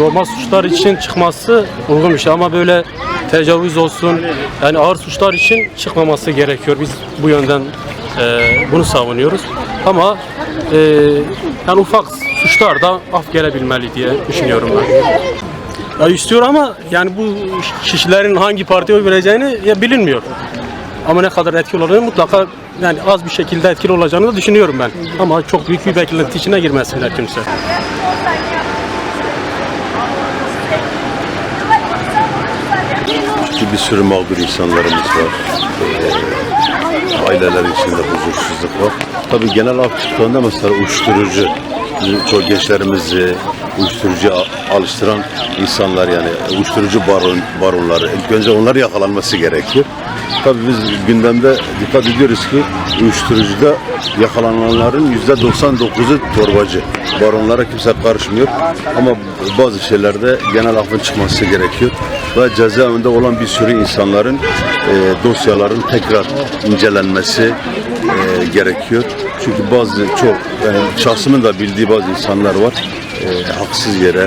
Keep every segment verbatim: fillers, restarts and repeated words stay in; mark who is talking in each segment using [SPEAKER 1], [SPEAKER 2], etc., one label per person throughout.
[SPEAKER 1] normal suçlar için çıkması uygun bir şey ama böyle tecavüz olsun, yani ağır suçlar için çıkmaması gerekiyor. Biz bu yönden e, bunu savunuyoruz. Ama e, yani ufak suçlar da af gelebilmeli diye düşünüyorum ben. Ya istiyor ama yani bu kişilerin hangi partiye oy vereceğini ya bilinmiyor. Ama ne kadar etkili olacağını mutlaka yani az bir şekilde etkili olacağını da düşünüyorum ben. Ama çok büyük bir beklenti içine girmesinler kimse.
[SPEAKER 2] Çünkü bir sürü mağdur insanlarımız var. Ee, aileler içinde huzursuzluk var. Tabii genel af tutuklarında mesela uyuşturucu, çok gençlerimizi uyuşturucuya alıştıran insanlar yani uyuşturucu baron, baronları ilk önce onları yakalanması gerekiyor. Tabii biz gündemde dikkat ediyoruz ki uyuşturucuda yakalananların yüzde doksan dokuzu torbacı. Baronlara kimse karışmıyor ama bazı şeylerde genel affın çıkması gerekiyor ve cezaevinde olan bir sürü insanların e, dosyaların tekrar incelenmesi e, gerekiyor. Çünkü bazı çok yani şahsımın da bildiği bazı insanlar var e, haksız yere.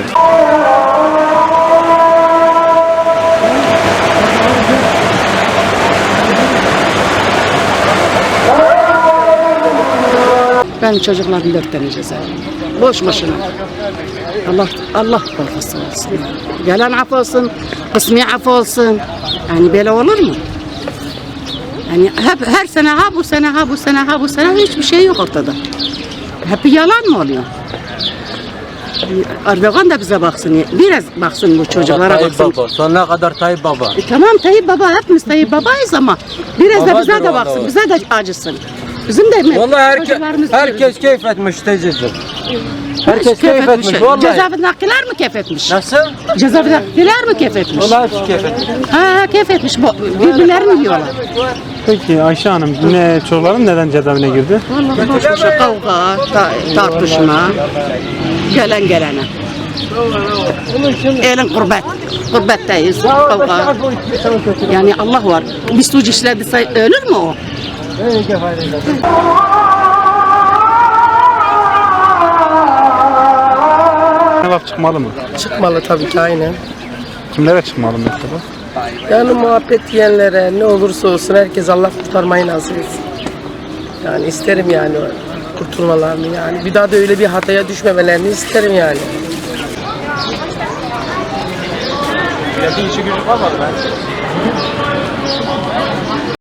[SPEAKER 3] Benim çocuklarım dört tane cezaevinde. Boş boşuna. Allah Allah korkusu olsun. Gelen af olsun, kısmi af olsun. Yani böyle olur mu? Yani hep her sene ha bu sene ha bu sene ha bu sene hiçbir şey yok ortada. Hep yalan mı oluyor? Erdoğan da bize baksın, biraz baksın bu çocuklara
[SPEAKER 4] Tayyip
[SPEAKER 3] baksın.
[SPEAKER 4] Baba, sonuna kadar Tayyip Baba.
[SPEAKER 3] E, tamam Tayyip Baba, hepimiz Tayyip Baba'yız ama biraz da
[SPEAKER 4] Babadır
[SPEAKER 3] bize de
[SPEAKER 4] o
[SPEAKER 3] baksın,
[SPEAKER 4] da.
[SPEAKER 3] bize de acısın. Bizim de
[SPEAKER 4] Vallahi herke,
[SPEAKER 3] çocuklarımız
[SPEAKER 4] herkes keyif etmiş teyzeciğim. Herkes
[SPEAKER 3] keyif
[SPEAKER 4] keyif
[SPEAKER 3] etmiş.
[SPEAKER 4] etmiş vallahi.
[SPEAKER 3] Cezaevindekiler mi keyif etmiş?
[SPEAKER 4] Nasıl?
[SPEAKER 3] Cezaevindekiler mi keyif etmiş?
[SPEAKER 4] Vallahi hepsi keyif etmiş.
[SPEAKER 3] Ha keyif etmiş. Bu- Birbirlerini yiyorlar.
[SPEAKER 5] Peki Ayşe Hanım, ne çocukların neden cezaevine girdi?
[SPEAKER 3] Vallahi boş boşa kavga, ta- tartışma, gelen gelene. Elin kurbet, kurbetteyiz, kavga. Yani Allah var. Bir suç işlediyse ölür mü o?
[SPEAKER 5] Laf çıkmalı mı?
[SPEAKER 6] Çıkmalı tabii ki aynen.
[SPEAKER 5] Kimlere çıkmalı mesela?
[SPEAKER 6] Yani muhabbet diyenlere ne olursa olsun herkes Allah kurtarmayı nasip etsin. Yani isterim yani kurtulmalarını yani. Bir daha da öyle bir hataya düşmemelerini isterim yani.
[SPEAKER 4] Bir işi gücü kalmadı ben.